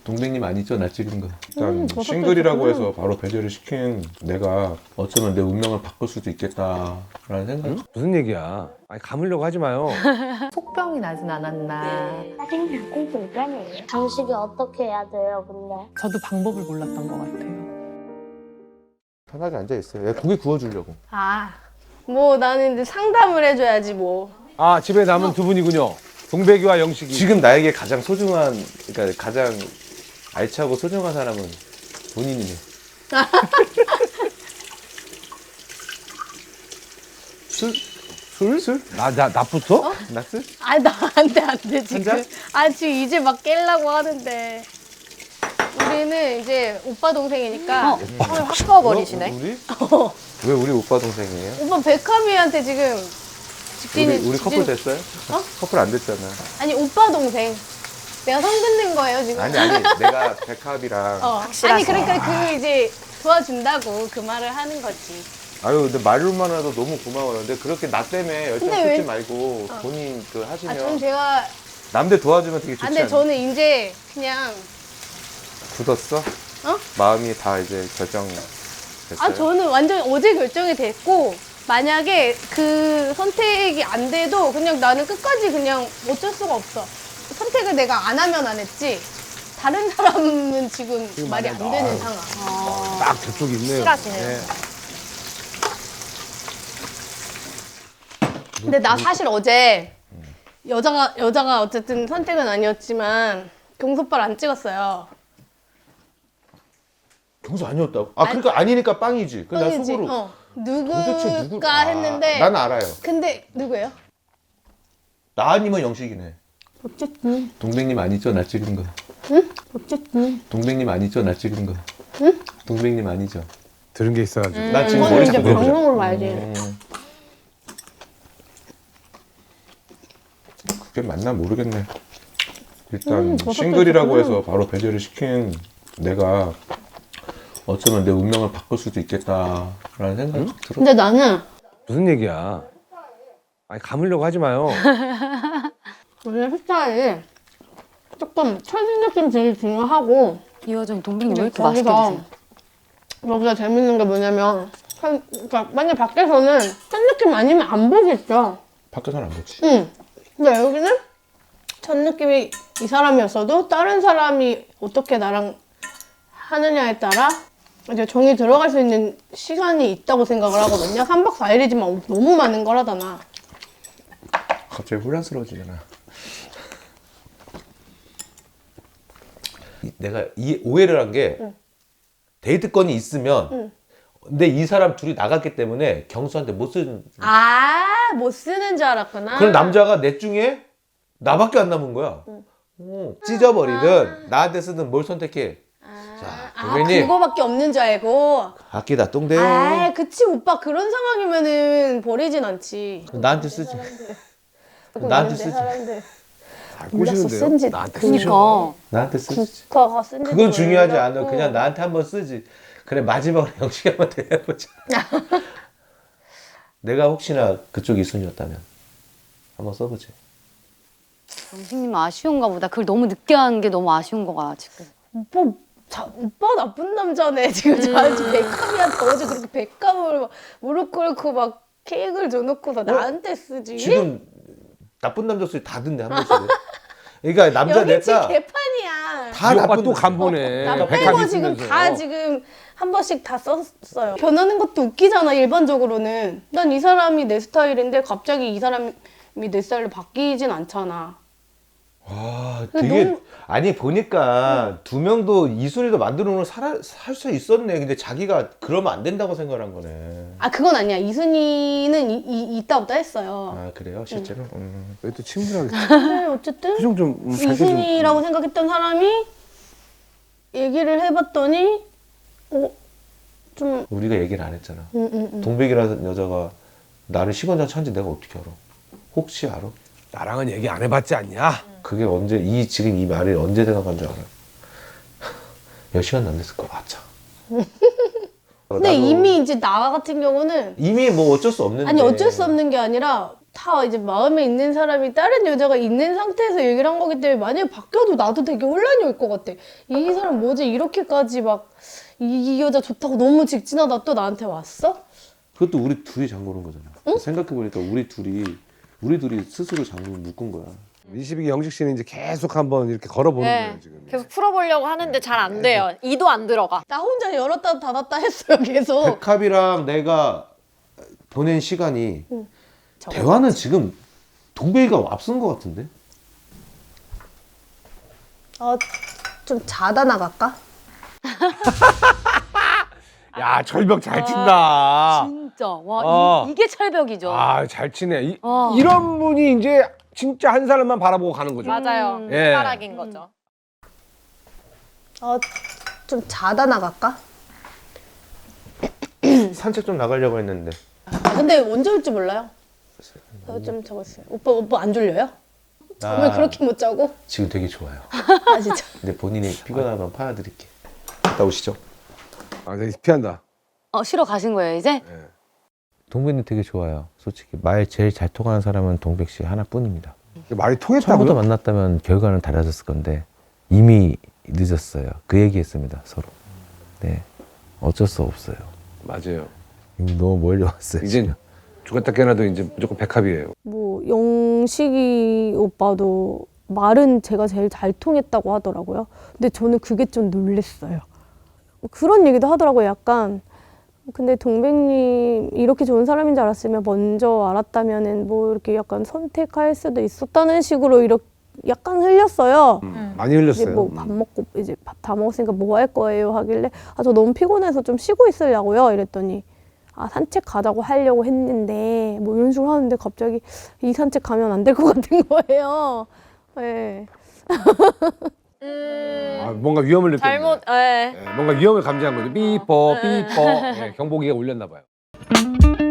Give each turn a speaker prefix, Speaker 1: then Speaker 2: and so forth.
Speaker 1: 동백님 아니죠? 나 찍은 거. 일단 싱글이라고 해서 바로 배제를 시킨 내가 어쩌면 내 운명을 바꿀 수도 있겠다라는 생각.
Speaker 2: 응? 무슨 얘기야? 아니 감으려고 하지 마요.
Speaker 3: 속병이 나진 않았나.
Speaker 4: 짜증나 꽁꽁 장식이 어떻게 해야 돼요, 근데?
Speaker 3: 저도 방법을 몰랐던 것 같아요.
Speaker 1: 편하게 앉아있어요. 얘 고기 구워주려고.
Speaker 5: 뭐 나는 이제 상담을 해줘야지 뭐.
Speaker 2: 아 집에 남은 두 분이군요. 동백이와 영식이.
Speaker 1: 지금 나에게 가장 소중한, 그러니까 가장 알차고 소중한 사람은 본인이네. 술?
Speaker 2: 나부터?
Speaker 1: 나스?
Speaker 5: 아, 나 안 돼, 지금.
Speaker 1: 잔?
Speaker 5: 아, 지금 이제 막 깰라고 하는데. 우리는 이제 오빠 동생이니까.
Speaker 3: 확 꺼버리시네.
Speaker 1: 우리? 왜 우리 오빠 동생이에요?
Speaker 5: 오빠 백합이한테 지금 직진이.
Speaker 1: 우리 커플 됐어요? 커플 안 됐잖아.
Speaker 5: 아니, 오빠 동생. 내가 성 긋는 거예요, 지금.
Speaker 1: 아니, 내가 백합이랑.
Speaker 5: 아니, 그러니까 그 이제 도와준다고 그 말을 하는 거지.
Speaker 1: 아유, 근데 말로만 해도 너무 고마워요. 근데 그렇게 나 때문에 열정
Speaker 5: 근데 왜-
Speaker 1: 쏟지 말고 본인 그
Speaker 5: 아,
Speaker 1: 하시면
Speaker 5: 전 제가.
Speaker 1: 남들 도와주면 되게 좋지
Speaker 5: 아, 근데
Speaker 1: 않아요?
Speaker 5: 저는 이제 그냥.
Speaker 1: 굳었어? 마음이 다 이제 결정됐어요?
Speaker 5: 아, 저는 완전 어제 결정이 됐고, 만약에 그 선택이 안 돼도 그냥 나는 끝까지 그냥 어쩔 수가 없어. 선택을 내가 안 하면 안 했지. 다른 사람은 지금 말이 안 되는 상황.
Speaker 2: 딱 저쪽 있네요.
Speaker 3: 실하시네요.
Speaker 2: 네.
Speaker 5: 근데 나 사실 어제 여자가 어쨌든 선택은 아니었지만 경소빠를 안 찍었어요.
Speaker 1: 경수 아니었다고? 아, 그러니까 아니니까 빵이지. 그나
Speaker 5: 뻥이지.
Speaker 1: 속으로.
Speaker 5: 누굴까
Speaker 1: 도대체 누굴?
Speaker 5: 했는데.
Speaker 1: 난 알아요.
Speaker 5: 근데 누구예요?
Speaker 1: 나 아니면 영식이네.
Speaker 5: 어쨌든.
Speaker 1: 동백님 아니죠? 나 찍은 거.
Speaker 5: 어쨌든.
Speaker 1: 동백님 아니죠? 나 찍은 거. 응? 동백님 아니죠?
Speaker 2: 들은 게 있어가지고.
Speaker 1: 나 지금
Speaker 5: 이거는
Speaker 1: 머리
Speaker 5: 이제
Speaker 1: 잡고 해보자.
Speaker 5: 방송으로 봐야지.
Speaker 1: 그게 맞나 모르겠네. 일단 싱글이라고 해서 바로 배제를 시킨 내가 어쩌면 내 운명을 바꿀 수도 있겠다라는 생각이 들어.
Speaker 5: 근데 나는
Speaker 2: 무슨 얘기야? 아니 감으려고 하지 마요.
Speaker 5: 원래 스타일이 조금 처진 느낌 되게 중요하고,
Speaker 6: 이 여자는 동백님 왜
Speaker 5: 근데
Speaker 6: 이렇게 맛있게 드세요?
Speaker 5: 여기가 재밌는 게 뭐냐면, 그러니까 만약 밖에서는 첫 느낌 아니면 안 보겠죠.
Speaker 1: 밖에서는 안 보지.
Speaker 5: 응. 근데 여기는 첫 느낌이 이 사람이었어도 다른 사람이 어떻게 나랑 하느냐에 따라 이제 정이 들어갈 수 있는 시간이 있다고 생각을 하거든요. 3박 4일이지만 너무 많은 거라잖아.
Speaker 1: 갑자기 혼란스러워지잖아. 내가 이 오해를 한 게 데이트권이 있으면 근데 이 사람 둘이 나갔기 때문에 경수한테 못 쓰는
Speaker 5: 못 쓰는 줄 알았구나.
Speaker 1: 그런 남자가 넷 중에 나밖에 안 남은 거야. 찢어버리든 나한테 쓰든 뭘 선택해. 자, 동백님
Speaker 5: 그거밖에 없는 줄 알고.
Speaker 1: 아끼다 똥대요.
Speaker 5: 그치 오빠 그런 상황이면은 버리진 않지.
Speaker 1: 나한테 쓰지. 나한테 쓰지.
Speaker 5: 사람들.
Speaker 2: 잘
Speaker 5: 몰랐어,
Speaker 2: 꼬시는데요?
Speaker 5: 쓴지.
Speaker 2: 나한테 쓰셔.
Speaker 6: 그니까.
Speaker 1: 나한테 쓰지.
Speaker 5: 국가가 쓴지.
Speaker 1: 그건 중요하지 않아. 그냥 나한테 한번 쓰지. 그래 마지막으로 영식이 한번 대해보자. 내가 혹시나 그쪽 이순이었다면 한번 써보지.
Speaker 6: 영식님 아쉬운가 보다. 그걸 너무 늦게 한 게 너무 아쉬운 거가 지금.
Speaker 5: 오빠 나쁜 남자네. 지금 저한테 백합이한테 어제 그렇게 백합을 막 무릎 꿇고 막 케이크를 줘놓고서 나한테 쓰지.
Speaker 1: 지금 나쁜 남자 소리 다 듣네 한 번씩은. 그러니까 남자
Speaker 5: 여기 지금
Speaker 1: 냈다.
Speaker 5: 개판이야.
Speaker 1: 다
Speaker 2: 이 오빠
Speaker 1: 나쁜
Speaker 2: 또
Speaker 1: 남자.
Speaker 2: 간보네.
Speaker 5: 나
Speaker 2: 백합
Speaker 5: 빼고 지금
Speaker 2: 있으면서.
Speaker 5: 다 지금 한 번씩 다 썼어요. 변하는 것도 웃기잖아, 일반적으로는. 난 이 사람이 내 스타일인데 갑자기 이 사람이 내 스타일로 바뀌진 않잖아.
Speaker 1: 와,
Speaker 5: 근데
Speaker 1: 되게
Speaker 5: 너무-
Speaker 1: 아니 보니까 두 명도 이순이도 만들어 놓은 살 수 있었네. 근데 자기가 그러면 안 된다고 생각한 거네.
Speaker 5: 그건 아니야. 이순이는 있다 없다 했어요.
Speaker 1: 아 그래요, 실제로?
Speaker 2: 왜 또 친구랑
Speaker 5: 근데 어쨌든
Speaker 2: 표정 좀 밝게 좀.
Speaker 5: 이순이라고 생각했던 사람이 얘기를 해봤더니 좀
Speaker 1: 우리가 얘기를 안 했잖아. 동백이라는 여자가 나를 시건장 찬지 내가 어떻게 알아? 혹시 알아?
Speaker 2: 나랑은 얘기 안 해봤지 않냐?
Speaker 1: 그게 언제 지금 이 말이 언제 생각한 줄 알아? 몇 시간 안 됐을 거야. 아차.
Speaker 5: 근데 이미 이제 나 같은 경우는
Speaker 1: 이미 뭐 어쩔 수 없는데.
Speaker 5: 아니 어쩔 수 없는 게 아니라 다 이제 마음에 있는 사람이 다른 여자가 있는 상태에서 얘기를 한 거기 때문에 만약에 바뀌어도 나도 되게 혼란이 올 것 같아. 이 사람 뭐지 이렇게까지 막 이 여자 좋다고 너무 직진하다 또 나한테 왔어?
Speaker 1: 그것도 우리 둘이 잠그는 거잖아. 생각해보니까 우리 둘이 스스로 잠그고 묶은 거야.
Speaker 2: 22기 영식 씨는 이제 계속 한번 이렇게 걸어보는
Speaker 7: 네.
Speaker 2: 거예요 지금.
Speaker 7: 계속 풀어보려고 하는데 잘 안 돼요. 이도 안 들어가.
Speaker 5: 나 혼자 열었다 닫았다 했어요 계속.
Speaker 1: 백합이랑 내가 보낸 시간이 대화는 지금 동백이가 앞선 것 같은데?
Speaker 5: 좀 자다 나갈까?
Speaker 2: 야 철벽 잘 친다.
Speaker 6: 진짜 와
Speaker 2: 어.
Speaker 6: 이게 철벽이죠.
Speaker 2: 아 잘 치네.
Speaker 6: 어.
Speaker 2: 이런 분이 이제 진짜 한 사람만 바라보고 가는 거죠.
Speaker 7: 맞아요.
Speaker 2: 예.
Speaker 7: 손가락인 거죠.
Speaker 5: 좀 자다 나갈까?
Speaker 1: 산책 좀 나가려고 했는데.
Speaker 5: 근데 언제 올지 몰라요. 좀 적었어요. 오빠 안 졸려요? 잠을 그렇게 못 자고?
Speaker 1: 지금 되게 좋아요.
Speaker 5: 아 진짜.
Speaker 1: 근데 본인이 피곤하면 파야드릴게. 갔다 오시죠.
Speaker 2: 아 되게 피한다.
Speaker 6: 쉬러 가신 거예요 이제?
Speaker 1: 동백이 되게 좋아요. 솔직히 말 제일 잘 통하는 사람은 동백 씨 하나뿐입니다.
Speaker 2: 말이
Speaker 1: 처음부터
Speaker 2: 통했다고요?
Speaker 1: 만났다면 결과는 달라졌을 건데 이미 늦었어요. 그 얘기했습니다 서로. 네, 어쩔 수 없어요.
Speaker 2: 맞아요.
Speaker 1: 이미 너무 멀리 왔어요.
Speaker 2: 이제
Speaker 1: 지금.
Speaker 2: 죽었다 깨어나도 이제 무조건 백합이에요.
Speaker 5: 뭐 영식이 오빠도 말은 제가 제일 잘 통했다고 하더라고요. 근데 저는 그게 좀 놀랬어요. 그런 얘기도 하더라고요. 약간 근데 동백님 이렇게 좋은 사람인 줄 알았으면 먼저 알았다면은 뭐 이렇게 약간 선택할 수도 있었다는 식으로 이렇게 약간 흘렸어요.
Speaker 2: 많이
Speaker 5: 이제
Speaker 2: 흘렸어요.
Speaker 5: 뭐 밥 먹고 이제 밥 다 먹었으니까 뭐 할 거예요 하길래 저 너무 피곤해서 좀 쉬고 있으려고요 이랬더니 산책 가자고 하려고 했는데 뭐 이런 식으로 하는데 갑자기 이 산책 가면 안 될 것 같은 거예요. 네.
Speaker 2: 뭔가 위험을 느꼈네.
Speaker 7: 잘못, 예.
Speaker 2: 뭔가 위험을 감지한 거죠. 삐뽀 삐뽀. 경보기가 울렸나 봐요.